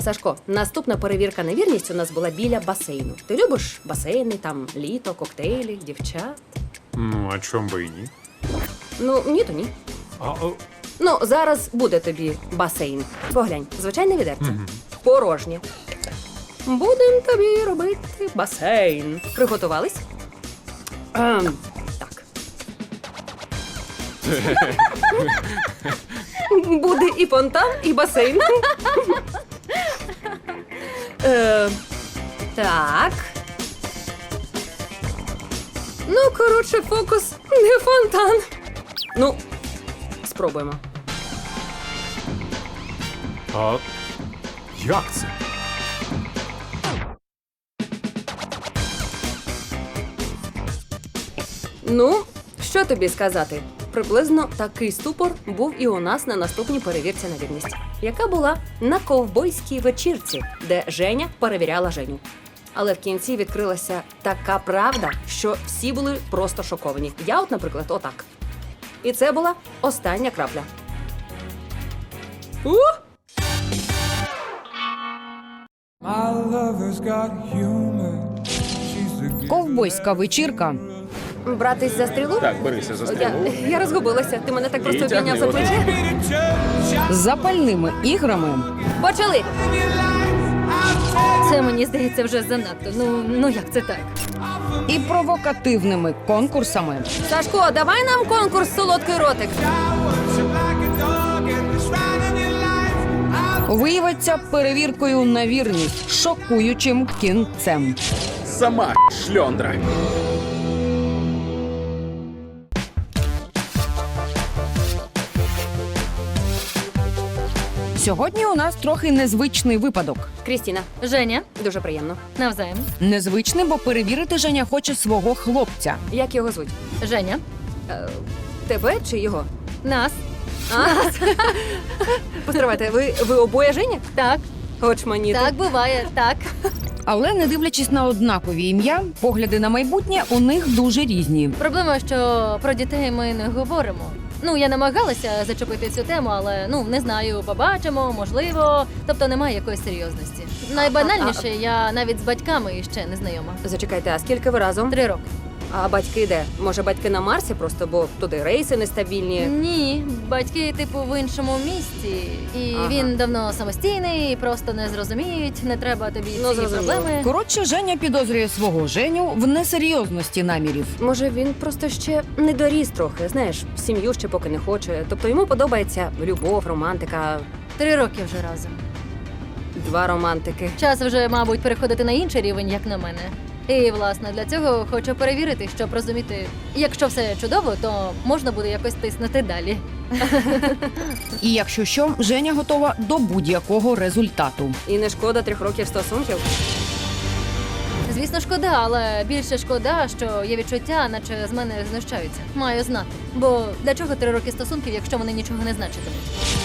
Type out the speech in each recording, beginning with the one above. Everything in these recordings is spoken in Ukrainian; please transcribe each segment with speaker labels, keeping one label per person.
Speaker 1: Сашко, наступна перевірка на вірність у нас була біля басейну. Ти любиш басейни, там літо, коктейлі, дівчат?
Speaker 2: Ну, а чом би і ні?
Speaker 1: Ну, ні, то ні. Ну, зараз буде тобі басейн. Поглянь, звичайне відерце. Порожнє. Будем тобі робити басейн. Приготувались? Так. Буде і фонтан, і басейн. Так. Ну, коротше, фокус не фонтан. Ну, спробуємо.
Speaker 2: А як це?
Speaker 1: Ну, що тобі сказати? Приблизно такий ступор був і у нас на наступній перевірці на вірність, яка була на ковбойській вечірці, де Женя перевіряла Женю. Але в кінці відкрилася така правда, що всі були просто шоковані. Я от, наприклад, отак. І це була остання крапля.
Speaker 3: Ковбойська вечірка.
Speaker 1: Братись за стрілу?
Speaker 2: Так, берися за стрілу.
Speaker 1: Я розгубилася. Ти мене так просто обійняв за плече.
Speaker 3: З запальними іграми,
Speaker 1: Почали!
Speaker 4: Це, мені здається, вже занадто. Ну як це так?
Speaker 3: і провокативними конкурсами.
Speaker 1: Сашко, давай нам конкурс «Солодкий ротик».
Speaker 3: Виявиться перевіркою на вірність шокуючим кінцем.
Speaker 2: Сама шльондра.
Speaker 3: Сьогодні у нас трохи незвичний випадок.
Speaker 1: Крістіна,
Speaker 4: Женя,
Speaker 1: дуже приємно.
Speaker 4: навзаєм.
Speaker 3: Незвичний, бо перевірити Женя хоче свого хлопця.
Speaker 1: Як його звуть?
Speaker 4: Женя,
Speaker 1: Тебе чи його?
Speaker 4: нас.
Speaker 1: Постривайте, ви обоє Женя?
Speaker 4: Так,
Speaker 1: Очманіти.
Speaker 4: так буває, так.
Speaker 3: Але не дивлячись на однакові ім'я, погляди на майбутнє у них дуже різні.
Speaker 4: Проблема, що про дітей ми не говоримо. Ну, я намагалася зачепити цю тему, але не знаю, побачимо, можливо. Тобто немає якоїсь серйозності. Найбанальніше, я навіть з батьками ще не знайома.
Speaker 1: Зачекайте, а скільки ви разом?
Speaker 4: 3 роки.
Speaker 1: А батьки де? Може, батьки на Марсі просто, бо туди рейси нестабільні?
Speaker 4: Ні, батьки, типу, в іншому місті. І
Speaker 1: Ага.
Speaker 4: він давно самостійний, просто не зрозуміють, не треба тобі ці
Speaker 1: зрозуміло.
Speaker 4: проблеми.
Speaker 3: Коротше, Женя підозрює свого Женю в несерйозності намірів.
Speaker 1: Може, він просто ще не доріс трохи, знаєш, сім'ю ще поки не хоче. Тобто йому подобається любов, романтика,
Speaker 4: 3 роки вже разом.
Speaker 1: 2 романтики.
Speaker 4: Час вже, мабуть, переходити на інший рівень, як на мене. І, власне, для цього хочу перевірити, щоб розуміти, якщо все чудово, то можна буде якось тиснути далі.
Speaker 3: І якщо що, Женя готова до будь-якого результату.
Speaker 1: І не шкода 3 років стосунків?
Speaker 4: Звісно, шкода, але більше шкода, що є відчуття, наче з мене знущаються. Маю знати. Бо для чого 3 роки стосунків, якщо вони нічого не значитимуть?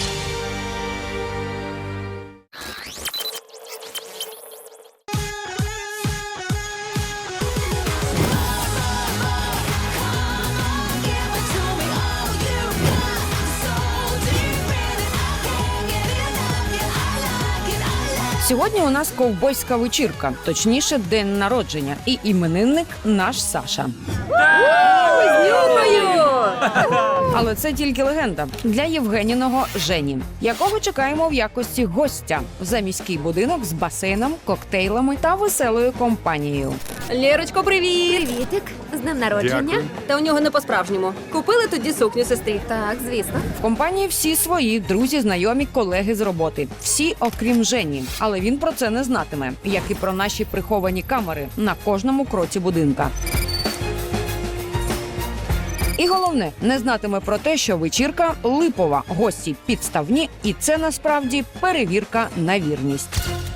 Speaker 3: Сьогодні у нас ковбойська вечірка, точніше, день народження, і іменинник наш Саша. Але це тільки легенда для Євгеніного Жені, якого чекаємо в якості гостя за міський будинок з басейном, коктейлами та веселою компанією.
Speaker 1: Лєрочко, привіт!
Speaker 5: Привітик, з днем народження.
Speaker 2: Дякую.
Speaker 1: Та у нього не по-справжньому. Купили тоді сукню сестрі.
Speaker 5: Так, звісно.
Speaker 3: В компанії всі свої друзі, знайомі, колеги з роботи. Всі, окрім Жені. Але він про це не знатиме, як і про наші приховані камери на кожному кроці будинка. І головне, не знатиме про те, що вечірка липова, гості підставні, і це насправді перевірка на вірність.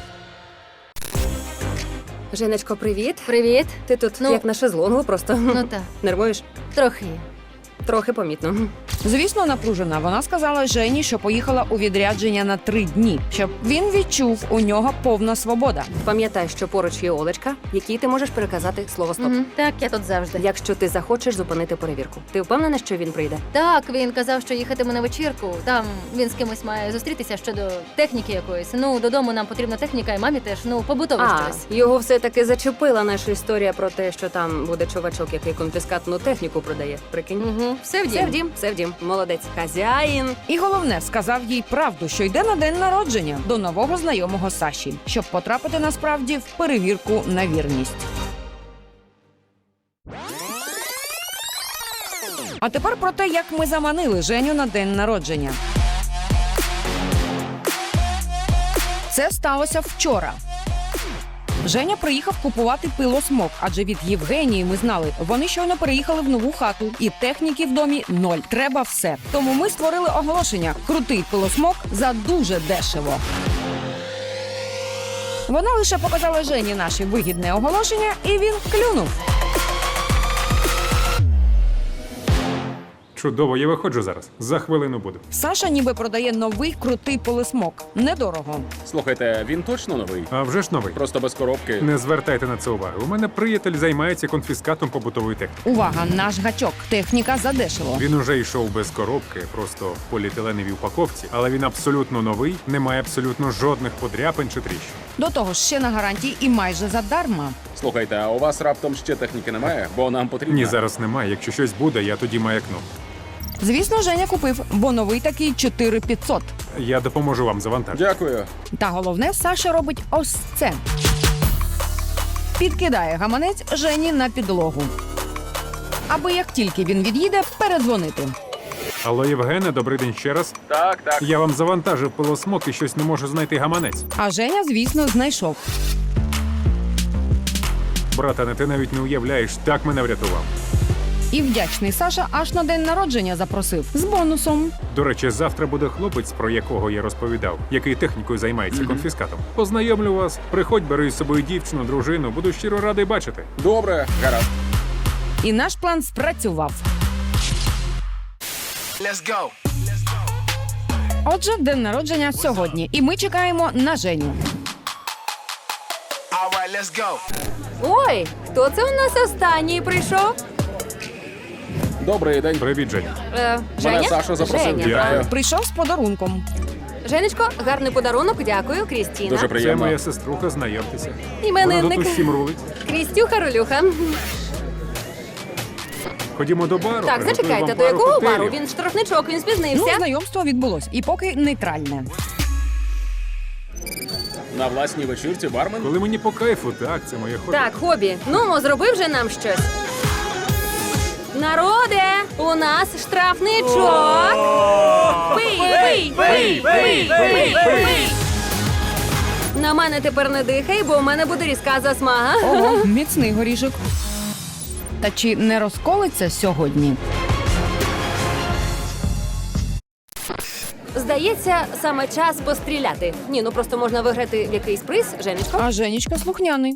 Speaker 1: Женечко, привіт.
Speaker 4: Привіт.
Speaker 1: Ти тут
Speaker 4: Ну.
Speaker 1: як на шезлонгу просто.
Speaker 4: Ну так,
Speaker 1: Нервуєш?
Speaker 4: трохи.
Speaker 1: Трохи помітно.
Speaker 3: Звісно, напружена. Вона сказала Жені, що поїхала у відрядження на 3 дні, щоб він відчув, у нього повна свобода.
Speaker 1: Пам'ятай, що поруч є Олечка, якій ти можеш переказати слово «стоп».
Speaker 4: Мгм. Так, я тут завжди.
Speaker 1: Якщо ти захочеш зупинити перевірку. Ти впевнена, що він прийде?
Speaker 4: Так, він казав, що їхатиме на вечірку. Там він з кимось має зустрітися щодо техніки якоїсь. Ну, додому нам потрібна техніка, і мамі теж, ну, побутове щось.
Speaker 1: Його все-таки зачепила наша історія про те, що там буде чувачок, який конфіскатну техніку продає. Прикинь?
Speaker 4: Угу. Все в
Speaker 1: Все
Speaker 4: дім.
Speaker 1: в дім, все в дім. Молодець. Хазяїн.
Speaker 3: І головне, сказав їй правду, що йде на день народження до нового знайомого Саші, щоб потрапити насправді в перевірку на вірність. А тепер про те, як ми заманили Женю на день народження. Це сталося вчора. Женя приїхав купувати пилосмок, адже від Євгенії ми знали, вони щойно переїхали в нову хату, і техніки в домі 0. Треба все. Тому ми створили оголошення «Крутий пилосмок за дуже дешево». Вона лише показала Жені наше вигідне оголошення, і він клюнув.
Speaker 2: Чудово, я виходжу зараз. За хвилину буду.
Speaker 3: Саша ніби продає новий крутий пилосмок. Недорого.
Speaker 5: Слухайте, він точно новий?
Speaker 2: А вже ж новий.
Speaker 5: Просто без коробки.
Speaker 2: Не звертайте на це уваги. У мене приятель займається конфіскатом побутової техніки.
Speaker 3: Увага, наш гачок. Техніка задешево.
Speaker 2: Він уже йшов без коробки, просто в поліетиленовій упаковці, але він абсолютно новий, не має абсолютно жодних подряпин чи тріщин.
Speaker 3: До того ж ще на гарантії і майже задарма.
Speaker 5: Слухайте, а у вас раптом ще техніки немає? Бо нам потрібно.
Speaker 2: Ні, зараз немає. Якщо щось буде, я тоді маякну.
Speaker 3: Звісно, Женя купив, бо новий такий 4500.
Speaker 2: Я допоможу вам завантажити.
Speaker 5: Дякую.
Speaker 3: Та головне, Саша робить ось це. Підкидає гаманець Жені на підлогу. Аби як тільки він від'їде, передзвонити.
Speaker 2: Алло, Євгене, добрий день ще раз.
Speaker 5: Так.
Speaker 2: Я вам завантажив пилосмок і щось не можу знайти гаманець.
Speaker 3: А Женя, звісно, знайшов.
Speaker 2: Братане, ти навіть не уявляєш, так мене врятував.
Speaker 3: І вдячний Саша аж на день народження запросив. З бонусом.
Speaker 2: До речі, завтра буде хлопець, про якого я розповідав, який технікою займається конфіскатом. Познайомлю вас, приходь, бери з собою дівчину, дружину, буду щиро радий бачити.
Speaker 5: Добре, гаразд.
Speaker 3: І наш план спрацював. Отже, день народження сьогодні. І ми чекаємо на Женю.
Speaker 1: Ой, хто це у нас останній прийшов?
Speaker 5: Добрий день.
Speaker 2: Привіт, Женя.
Speaker 1: Женя?
Speaker 5: Саша запросив.
Speaker 1: Женя.
Speaker 5: Дякую.
Speaker 3: Прийшов з подарунком.
Speaker 1: Женечко, гарний подарунок, дякую, Крістіна.
Speaker 5: Дуже
Speaker 2: Це
Speaker 5: приємно.
Speaker 2: моя сеструха, знайомтеся. Вона тут
Speaker 1: Іменинник.
Speaker 2: усім рулить.
Speaker 1: Крістюха Ролюха.
Speaker 2: Ходімо до бару.
Speaker 1: Так,
Speaker 2: приготую
Speaker 1: зачекайте,
Speaker 2: вам
Speaker 1: до
Speaker 2: пару
Speaker 1: якого
Speaker 2: коктейлів.
Speaker 1: бару? Він штрафничок, він
Speaker 3: Ну,
Speaker 1: спізнився.
Speaker 3: знайомство відбулось. І поки нейтральне.
Speaker 5: На власній вечірці бармен?
Speaker 2: Коли мені по кайфу, так, це моє хобі.
Speaker 1: Так, хобі. Ну, зробив же нам щось. Народе, у нас штрафничок. Пий. На мене тепер не дихай, бо в мене буде різка засмага.
Speaker 3: Ого, міцний горішок. Та чи не розколиться сьогодні?
Speaker 1: Здається, саме час постріляти. Ні, ну просто можна виграти в якийсь приз, Женечко.
Speaker 3: А Женечка слухняний.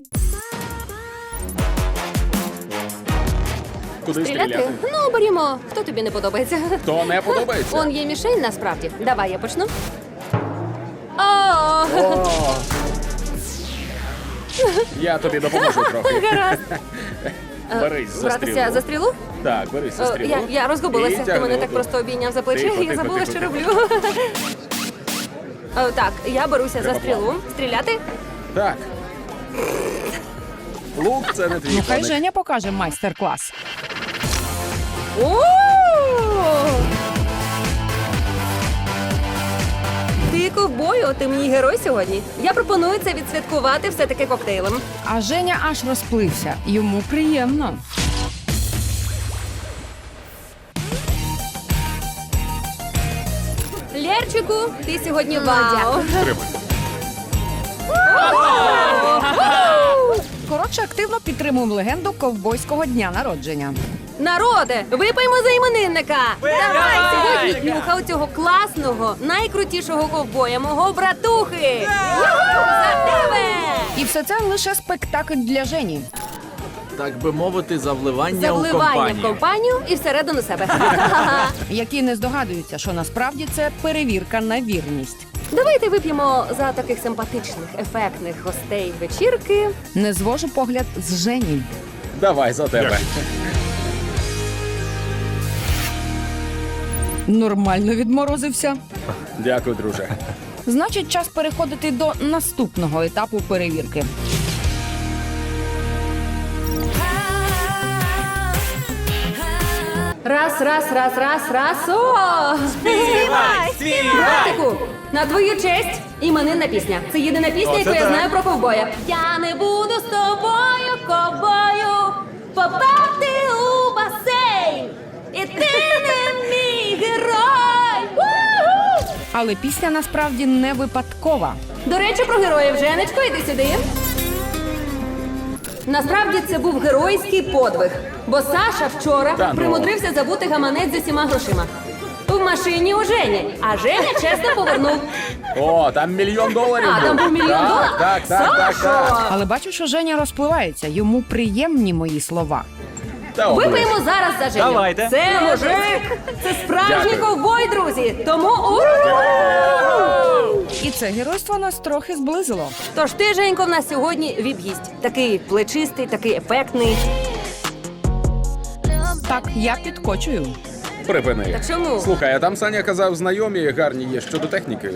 Speaker 5: Куди стріляти?
Speaker 1: Ну, берімо. Хто тобі не подобається?
Speaker 5: То не подобається.
Speaker 1: Он є мішень насправді. Давай я почну. О!
Speaker 5: О! Я тобі допоможу трохи.
Speaker 1: Гаразд.
Speaker 5: Берись за
Speaker 1: Братися за
Speaker 5: стрілу.
Speaker 1: стрілу?
Speaker 5: Так, берись за стрілу.
Speaker 1: Я розгубилася.
Speaker 5: І
Speaker 1: Ти мене
Speaker 5: тягни
Speaker 1: так
Speaker 5: отут.
Speaker 1: просто обійняв за плече,
Speaker 5: Тихо,
Speaker 1: і я
Speaker 5: тихо,
Speaker 1: забула,
Speaker 5: тихо,
Speaker 1: що
Speaker 5: тихо.
Speaker 1: роблю. Так, я беруся за
Speaker 5: Треба
Speaker 1: стрілу.
Speaker 5: плавно.
Speaker 1: Стріляти?
Speaker 5: Так. Лук це не твій
Speaker 3: Ну, хай
Speaker 5: коник.
Speaker 3: Женя покаже майстер-клас.
Speaker 1: О! Ти ковбою, ти мій герой сьогодні. Я пропоную це відсвяткувати все-таки коктейлем.
Speaker 3: А Женя аж розплився. Йому приємно.
Speaker 1: Лєрчику, ти сьогодні вау.
Speaker 2: Тримай.
Speaker 3: Коротше, активно підтримуємо легенду ковбойського дня народження.
Speaker 1: Народе, випиймо за іменинника! Давай сьогодні днюха оцього класного, найкрутішого ковбоя, мого братухи! Юху, за тебе!
Speaker 3: І все це лише спектакль для Жені.
Speaker 6: так би мовити, за вливання у
Speaker 1: Завливання в
Speaker 6: компанію.
Speaker 1: компанію і всередину себе.
Speaker 3: Які не здогадуються, що насправді це перевірка на вірність.
Speaker 1: Давайте вип'ємо за таких симпатичних, ефектних гостей вечірки.
Speaker 3: Не звожу погляд з Жені.
Speaker 5: Давай за тебе.
Speaker 2: Дякую.
Speaker 3: Нормально відморозився.
Speaker 5: Дякую, друже.
Speaker 3: Значить, час переходити до наступного етапу перевірки.
Speaker 1: Раз. О! Братику, на твою честь іменинна пісня. Це єдина пісня, яку я знаю про ковбоя. Я не буду з тобою, ковбою, попати у басейн. І ти не мій герой. У-ху!
Speaker 3: Але пісня насправді не випадкова.
Speaker 1: До речі, про героїв. Женечко, іди сюди. Насправді це був геройський подвиг, бо Саша вчора
Speaker 5: Та ну.
Speaker 1: примудрився забути гаманець з усіма грошима. В машині у Жені, а Женя чесно повернув.
Speaker 5: О, там $1 мільйон.
Speaker 1: А, там був $1 мільйон?
Speaker 5: Так.
Speaker 1: Сашо!
Speaker 3: Але бачу, що Женя розпливається. Йому приємні мої слова.
Speaker 5: Та оближ.
Speaker 1: Випиємо зараз за Женю.
Speaker 6: Давайте.
Speaker 1: Це мужик, це справжній
Speaker 5: Дякую.
Speaker 1: ковбой, друзі. Тому
Speaker 3: І це геройство нас трохи зблизило.
Speaker 1: Тож ти, Женько, в нас сьогодні віп-гість. Такий плечистий, такий ефектний.
Speaker 3: Так, я підкочую.
Speaker 5: Припини.
Speaker 1: Та чому?
Speaker 5: Слухай, а там Саня казав, знайомі гарні є щодо техніки.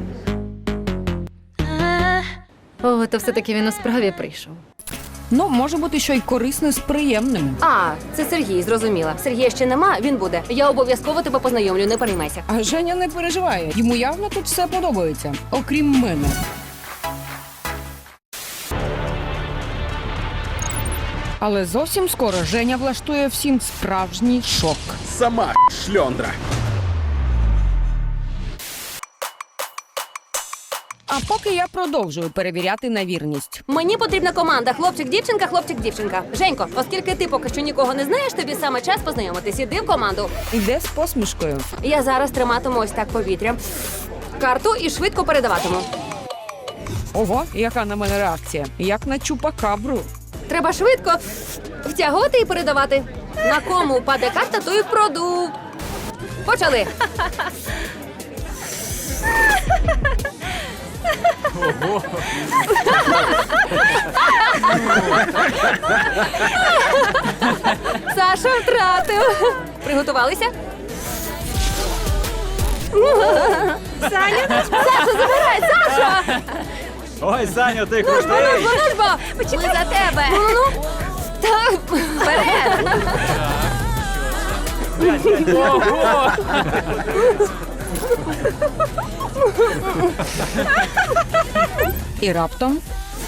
Speaker 4: О, то все-таки він у справі прийшов.
Speaker 3: Ну, може бути, що й корисне з приємним.
Speaker 1: А, це Сергій, зрозуміла. Сергія ще нема, він буде. Я обов'язково тебе познайомлю, не переймайся.
Speaker 3: А Женя не переживає. Йому явно тут все подобається, окрім мене. Але зовсім скоро Женя влаштує всім справжній шок.
Speaker 5: Сама шльондра.
Speaker 3: А поки я продовжую перевіряти на вірність.
Speaker 1: Мені потрібна команда хлопчик-дівчинка, хлопчик-дівчинка. Женько, оскільки ти поки що нікого не знаєш, тобі саме час познайомитись. Іди в команду.
Speaker 3: Іде з посмішкою.
Speaker 1: Я зараз триматиму ось так повітря. Карту і швидко передаватиму.
Speaker 3: Ого, яка на мене реакція. Як на чупакабру.
Speaker 1: Треба швидко втягувати і передавати. На кому впаде карта, то і впроду. Почали. Саша втратив. Приготувалися? Саня? Саша, забирай, Саша!
Speaker 6: Ой, Саню, ти
Speaker 1: Ну ж бо! Почекай за тебе! Ну. Так, вперед!
Speaker 3: І раптом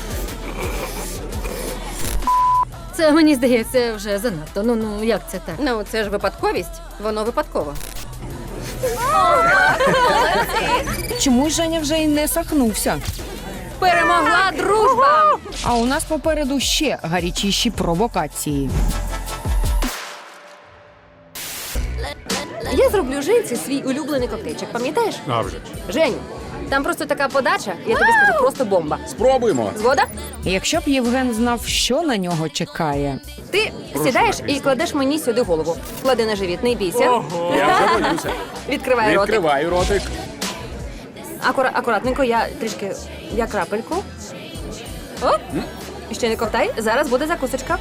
Speaker 4: Це, мені здається, вже занадто. Ну, як це так?
Speaker 1: Ну, це ж випадковість. Воно випадково.
Speaker 3: чомусь Женя вже й не сахнувся.
Speaker 1: Перемогла дружба!
Speaker 3: А у нас попереду ще гарячіші провокації.
Speaker 1: Я зроблю Женці свій улюблений коктейльчик, пам'ятаєш?
Speaker 2: А вже ж.
Speaker 1: Женю, там просто така подача, я тобі скажу, просто бомба.
Speaker 5: Спробуємо.
Speaker 1: Згода?
Speaker 3: Якщо б Євген знав, що на нього чекає.
Speaker 1: Ти сідаєш і кладеш мені сюди голову. Клади на живіт, не бійся.
Speaker 5: Я вже боюся.
Speaker 1: Відкривай ротик.
Speaker 5: Відкриваю ротик.
Speaker 1: Акуратненько, я трішки, я крапельку. Оп. Ще не ковтай, зараз буде закусочка.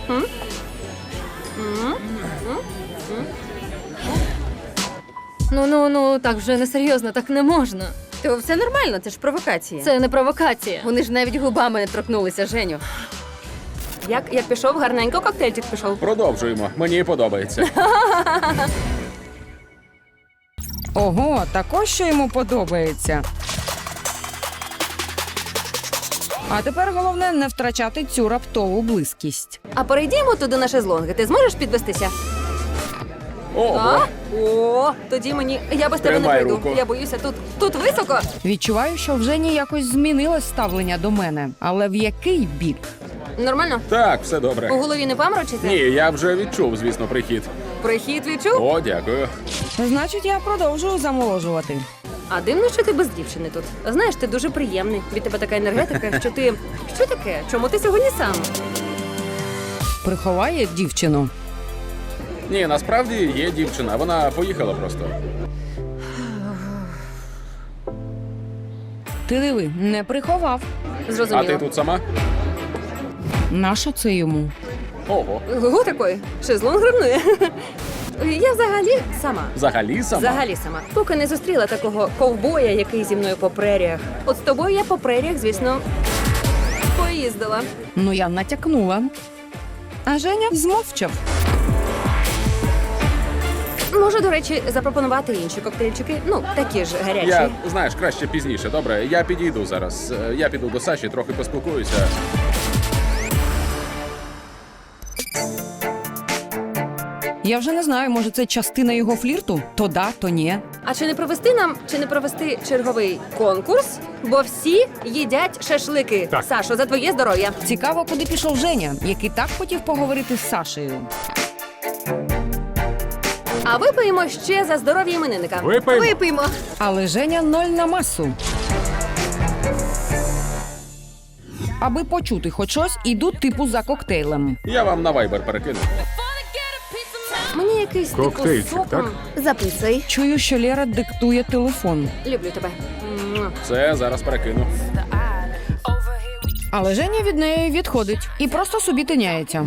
Speaker 4: Ну, так вже несерйозно, так не можна.
Speaker 7: То все нормально, це ж провокація.
Speaker 4: Це не провокація.
Speaker 7: Вони ж навіть губами не торкнулися, Женю.
Speaker 1: Як пішов, гарненько коктейльчик пішов.
Speaker 5: Продовжуємо. Мені подобається.
Speaker 3: Ого, також що йому подобається. А тепер головне не втрачати цю раптову близькість.
Speaker 1: А перейдімо туди на шезлонги. Ти зможеш підвестися?
Speaker 5: Ого.
Speaker 1: О, тоді мені. Я без тебе не
Speaker 5: Тримай
Speaker 1: пройду.
Speaker 5: руку.
Speaker 1: Я боюся, тут високо.
Speaker 3: Відчуваю, що в Жені якось змінилось ставлення до мене. Але в який бік?
Speaker 1: Нормально?
Speaker 5: Так, все
Speaker 1: У
Speaker 5: добре.
Speaker 1: голові не паморочиться?
Speaker 5: Ні, я вже відчув, звісно, прихід.
Speaker 1: Прихід відчув?
Speaker 5: О, дякую.
Speaker 3: Значить, я продовжую замоложувати.
Speaker 1: А дивно, що ти без дівчини тут. Знаєш, ти дуже приємний. Від тебе така енергетика, що ти. Що таке? Чому ти сьогодні сам?
Speaker 3: приховає дівчину.
Speaker 5: Ні, насправді є дівчина, вона поїхала просто.
Speaker 3: Ти диви, не приховав.
Speaker 5: А ти
Speaker 1: Зрозуміло.
Speaker 5: тут сама?
Speaker 3: Нащо це йому?
Speaker 5: Ого.
Speaker 1: Гу такої. Шезлонг ревнує. Я взагалі сама.
Speaker 5: Взагалі сама?
Speaker 1: Взагалі сама. Поки не зустріла такого ковбоя, який зі мною по преріях. От з тобою я по преріях, звісно, поїздила.
Speaker 3: Ну, я натякнула. А Женя змовчав.
Speaker 1: Можу, до речі, запропонувати інші коктейльчики. Ну, такі ж гарячі.
Speaker 5: Я, знаєш, краще пізніше, добре? Я підійду зараз. Я піду до Саші, трохи поспілкуюся.
Speaker 3: Я вже не знаю, може це частина його флірту? То да, то ні.
Speaker 1: А чи не провести черговий конкурс? Бо всі їдять шашлики.
Speaker 2: Так.
Speaker 1: Сашо, за твоє здоров'я.
Speaker 3: Цікаво, куди пішов Женя, який так хотів поговорити з Сашею.
Speaker 1: А випиємо ще за здоров'я іменинника.
Speaker 2: Випий.
Speaker 7: Випиймо.
Speaker 3: Але Женя 0 на масу. Аби почути хоч щось, ідуть типу за коктейлем.
Speaker 5: Я вам на вайбер перекину.
Speaker 1: Мені якийсь типу
Speaker 2: Коктейльчик,
Speaker 1: соком.
Speaker 2: так?
Speaker 7: Записуй.
Speaker 3: Чую, що Лера диктує телефон.
Speaker 1: Люблю тебе. Муа.
Speaker 5: Це зараз перекину.
Speaker 3: Але Женя від неї відходить і просто собі тиняється.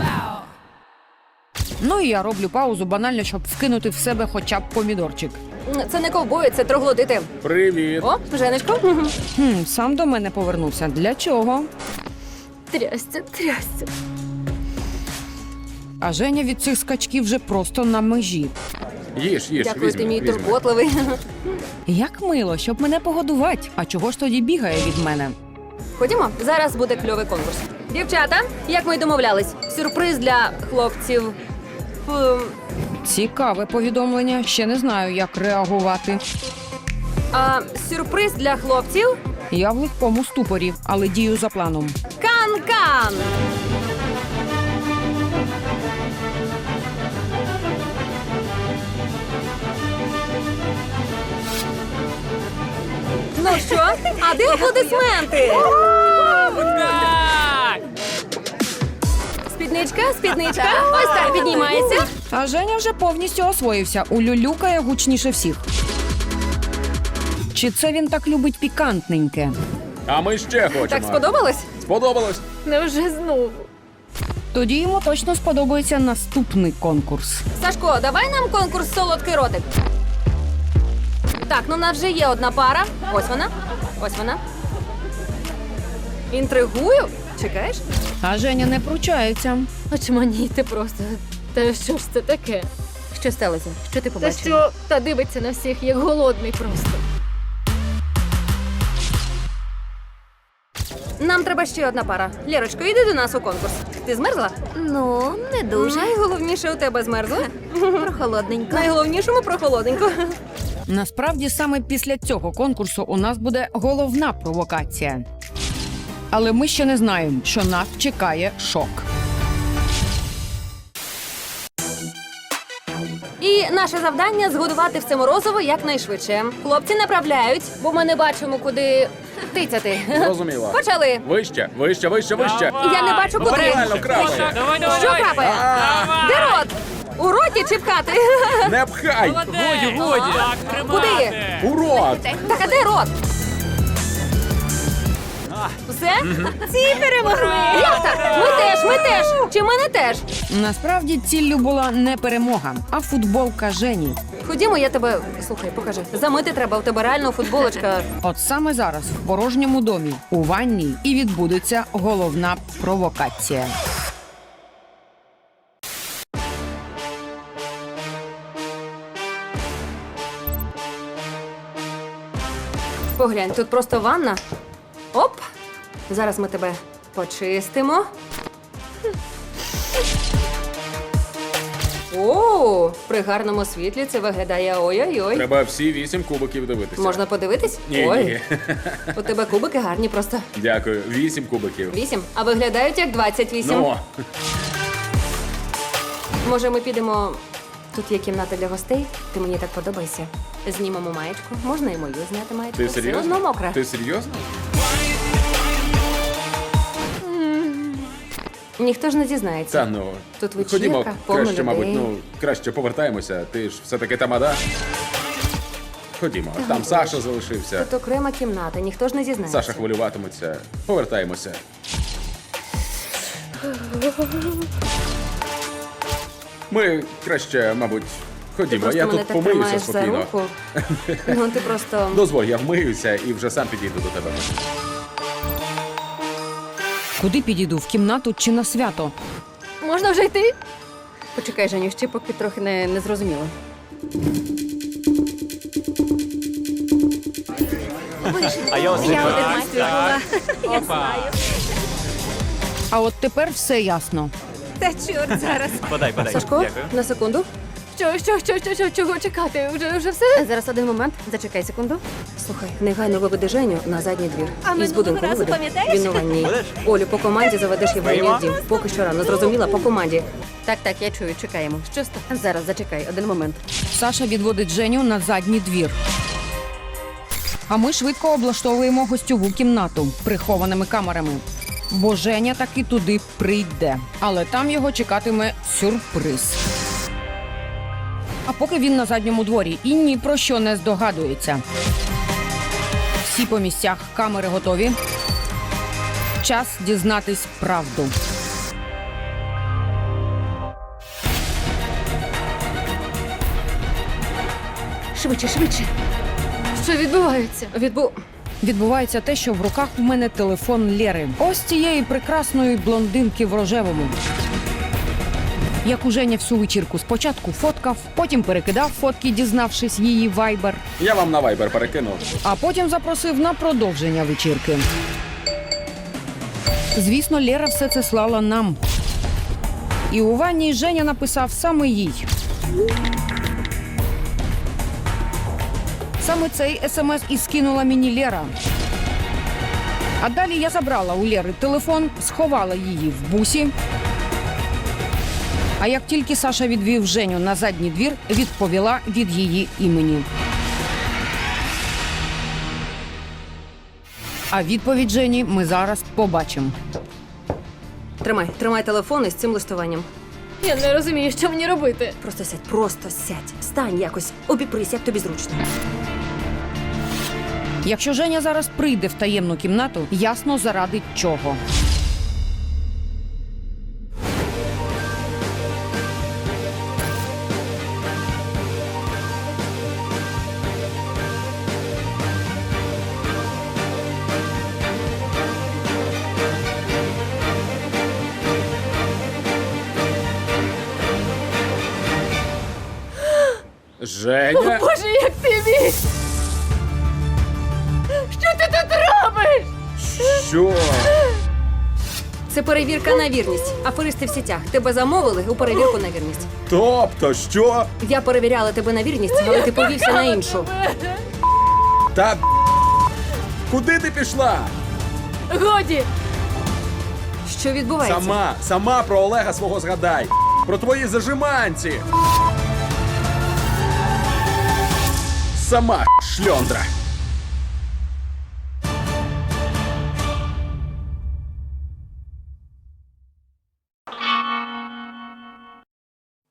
Speaker 3: Ну і я роблю паузу банально, щоб вкинути в себе хоча б помідорчик.
Speaker 1: Це не ковбої, це троглодити.
Speaker 5: Привіт.
Speaker 1: О, Женечко.
Speaker 3: Сам до мене повернувся. Для чого?
Speaker 4: Трясся.
Speaker 3: А Женя від цих скачків вже просто на межі.
Speaker 5: Їж,
Speaker 1: Дякую, ти мій
Speaker 5: візьми.
Speaker 1: турботливий.
Speaker 3: Як мило, щоб мене погодувати. А чого ж тоді бігає від мене?
Speaker 1: Ходімо, зараз буде кльовий конкурс. Дівчата, як ми й домовлялись, сюрприз для хлопців.
Speaker 3: Цікаве повідомлення. Ще не знаю, як реагувати.
Speaker 1: Сюрприз для хлопців.
Speaker 3: Я в легкому ступорі, але дію за планом.
Speaker 1: Кан-кан! Ну що? А де аплодисменти? Спідничка. Ось так піднімається.
Speaker 3: А Женя вже повністю освоївся. Улюлюкає гучніше всіх. Чи це він так любить пікантненьке?
Speaker 5: А ми ще хочемо.
Speaker 1: Так сподобалось?
Speaker 5: Сподобалось?
Speaker 4: Невже знову?
Speaker 3: Тоді йому точно сподобається наступний конкурс.
Speaker 1: Сашко, давай нам конкурс солодкий ротик. Так, ну в нас вже є одна пара. Ось вона. Інтригую? Чекаєш?
Speaker 3: А Женя не пручається.
Speaker 4: Очманіти просто. Та що ж це таке?
Speaker 7: Що сталося? Що ти
Speaker 4: Та
Speaker 7: побачила?
Speaker 4: що? Та дивиться на всіх, як голодний просто.
Speaker 1: Нам треба ще одна пара. Лєрочко, йди до нас у конкурс. Ти змерзла?
Speaker 7: Ну, не дуже.
Speaker 1: Найголовніше у тебе змерзла.
Speaker 7: Прохолодненько.
Speaker 1: Найголовнішому прохолодненько.
Speaker 3: Насправді, саме після цього конкурсу у нас буде головна провокація. Але ми ще не знаємо, що нас чекає шок.
Speaker 1: І наше завдання згодувати все морозиво якнайшвидше. Хлопці направляють, бо ми не бачимо, куди тицяти.
Speaker 5: Зрозуміло.
Speaker 1: Почали.
Speaker 5: Вище.
Speaker 1: Я не бачу, куди.
Speaker 5: Реально крапає.
Speaker 1: Що крапає? Де рот? У роті чи пхати?
Speaker 5: Не пхай!
Speaker 6: Годі.
Speaker 1: Куди?
Speaker 5: У рот!
Speaker 1: Так, а де рот? Все? Ці перемогли! Як так? Ми теж! Чи ми не теж?
Speaker 3: Насправді ціллю була не перемога, а футболка Жені.
Speaker 1: Ходімо, я тебе. Слухай, покажи. Замити треба, у тебе реально футболочка.
Speaker 3: От саме зараз в порожньому домі, у ванній, і відбудеться головна провокація.
Speaker 1: Поглянь, тут просто ванна. Оп! Зараз ми тебе почистимо. О, при гарному світлі це виглядає ой-ой-ой.
Speaker 5: Треба всі 8 кубиків дивитися.
Speaker 1: Можна подивитись?
Speaker 5: Ні,
Speaker 1: Ой,
Speaker 5: ні.
Speaker 1: у тебе кубики гарні просто.
Speaker 5: Дякую. 8 кубиків.
Speaker 1: 8, а виглядають як 28.
Speaker 5: Ну,
Speaker 1: Може, ми підемо. Тут є кімната для гостей. Ти мені так подобаєшся. Знімемо маєчку. Можна і мою зняти маєчку.
Speaker 5: ти
Speaker 1: Все
Speaker 5: серйозно?
Speaker 1: одно мокра.
Speaker 5: Ти серйозно?
Speaker 1: Ніхто ж не дізнається.
Speaker 5: Та ну.
Speaker 1: Тут вечірка,
Speaker 5: Ходімо,
Speaker 1: повно
Speaker 5: краще, мабуть,
Speaker 1: людей.
Speaker 5: краще повертаємося. Ти ж все-таки тамада. Ходімо, там Саша залишився.
Speaker 1: Тут окрема кімната, ніхто ж не дізнається.
Speaker 5: Саша хвилюватиметься. Повертаємося. Ми краще, мабуть,
Speaker 1: Ти
Speaker 5: ходімо.
Speaker 1: просто
Speaker 5: Я
Speaker 1: мене
Speaker 5: тут
Speaker 1: так
Speaker 5: помиюся
Speaker 1: тримаєш за
Speaker 5: спокійно.
Speaker 1: руку. Ну, ти просто...
Speaker 5: Дозволь, я вмиюся і вже сам підійду до тебе.
Speaker 3: Куди підійду? В кімнату чи на свято?
Speaker 4: Можна вже йти?
Speaker 7: Почекай, Женю, ще поки трохи не зрозуміло.
Speaker 6: А я ось
Speaker 3: А от тепер все ясно.
Speaker 7: Та чорт зараз.
Speaker 6: Подай.
Speaker 1: Сашко,
Speaker 6: Дякую.
Speaker 1: на секунду.
Speaker 4: Чого чекати? Вже все?
Speaker 7: Зараз один момент. Зачекай секунду.
Speaker 1: Слухай, негайно виведи Женю на задній двір.
Speaker 7: А
Speaker 1: Із
Speaker 7: минулого
Speaker 1: будинку
Speaker 7: разу
Speaker 1: виведи.
Speaker 7: пам'ятаєш?
Speaker 1: Він у ванні.
Speaker 6: Будеш?
Speaker 1: Олю, по команді заведеш Євгенію в дім. Поки що рано, зрозуміла, по команді.
Speaker 7: Так, я чую, чекаємо.
Speaker 4: Що стало?
Speaker 7: Зараз зачекай, один момент.
Speaker 3: Саша відводить Женю на задній двір. А ми швидко облаштовуємо гостьову кімнату прихованими камерами. Бо Женя таки туди прийде. Але там його чекатиме сюрприз. А поки він на задньому дворі і ні про що не здогадується. Всі по місцях, камери готові. Час дізнатись правду.
Speaker 7: Швидше.
Speaker 4: Що відбувається?
Speaker 3: Відбувається те, що в руках у мене телефон Лєри. Ось цієї прекрасної блондинки в рожевому. Як у Женя всю вечірку спочатку фоткав, потім перекидав фотки, дізнавшись її вайбер,
Speaker 5: Я вам на вайбер перекинув.
Speaker 3: а потім запросив на продовження вечірки. Звісно, Лєра все це слала нам. І у ванні Женя написав саме їй. Саме цей смс і скинула мені Лєра. А далі я забрала у Лєри телефон, сховала її в бусі. А як тільки Саша відвів Женю на задній двір, відповіла від її імені. А відповідь Жені ми зараз побачимо.
Speaker 1: Тримай телефон із цим листуванням.
Speaker 4: Я не розумію, що мені робити.
Speaker 1: Просто сядь. Стань якось, обіпрись, як тобі зручно.
Speaker 3: Якщо Женя зараз прийде в таємну кімнату, ясно заради чого.
Speaker 5: Женя?
Speaker 4: Боже, як ти міг! Що ти тут робиш?
Speaker 5: Що?
Speaker 1: Це перевірка на вірність. Аферисти в сітях. Тебе замовили у перевірку на вірність.
Speaker 5: Тобто, що?
Speaker 1: Я перевіряла тебе на вірність, але ти повівся на іншу.
Speaker 5: Та куди ти пішла?
Speaker 4: Годі!
Speaker 1: Що відбувається?
Speaker 5: Сама про Олега свого згадай. Про твої зажиманці. Сама шльондра.